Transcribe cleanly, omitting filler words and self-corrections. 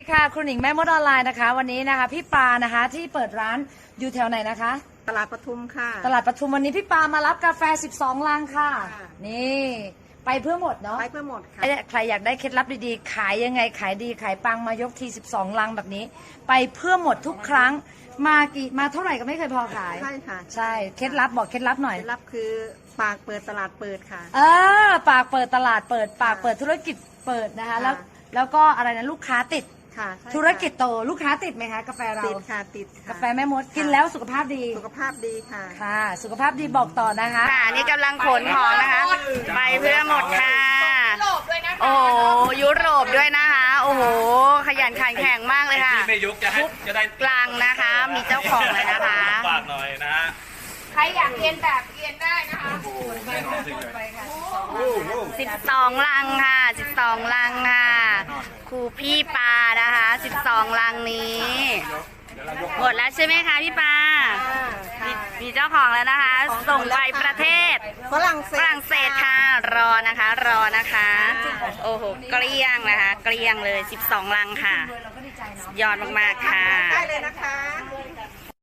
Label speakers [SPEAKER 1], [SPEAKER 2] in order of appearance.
[SPEAKER 1] ค่ะครูหนิงแม่มดออนไลน์นะคะวันนี้นะคะพี่ปานะคะที่เปิดร้านอยู่แถวไหนนะคะ
[SPEAKER 2] ตลาดปทุมค่ะ
[SPEAKER 1] ตลาดปทุมวันนี้พี่ปามารับกาแฟ12ลังค่ะนี่ไปเพื่อหมดเนาะ
[SPEAKER 2] ไปเพื่อหมดค่ะ
[SPEAKER 1] ใครอยากได้เคล็ดลับดีๆขายยังไงขายดีขายปังมายกที12ลังแบบนี้ไปเพื่อหมดทุกครั้งมาเท่าไหร่ก็ไม่เคยพอขาย
[SPEAKER 2] ใช่ค่ะ
[SPEAKER 1] ใช่เคล็ดลับบอกเคล็ดลับหน่อย
[SPEAKER 2] เคล็ดลับคือปากเปิดตลาดเปิดค่ะ
[SPEAKER 1] ปากเปิดตลาดเปิดปากเปิดธุรกิจเปิดนะคะแล้วก็อะไรนะลูกค้าติดธุรกิจโตลูกค้าติดไหมคะกาแฟเรา
[SPEAKER 2] ติดค่ะติด
[SPEAKER 1] กาแฟแม่มดกินแล้วสุขภาพดี
[SPEAKER 2] สุขภาพดีค่ะ
[SPEAKER 1] ค่ะสุขภาพดีบอกต่อนะคะ
[SPEAKER 3] ค่ะนี่กำลังขนของนะคะไปเพื่อหมดค่ะโอ้ยุโรปด้วยนะคะโอ้โหขยันขันแข็งมากเลยค่ะ
[SPEAKER 4] ที่ไม่ยุกจะได้
[SPEAKER 3] กลางนะคะมีเจ้าของเลยนะคะ
[SPEAKER 4] ฝากหน่อยนะฮะ
[SPEAKER 3] ใครอยากเรียนแบบเรียนได้นะคะ12 ลังค่ะ12 ลังค่ะครูพี่ปานะคะ12 ลังนี้หมดแล้วใช่ไหมคะพี่ปามีเจ้าของแล้วนะคะ ส่งไปประเทศ
[SPEAKER 2] ฝรั่งเศส
[SPEAKER 3] ค่ะรอนะคะโอ้โหเกลี้ยงนะคะเกลี้ยงเลย12 ลังค่ะยอดมากๆค่ะ
[SPEAKER 2] ได้เลยนะคะ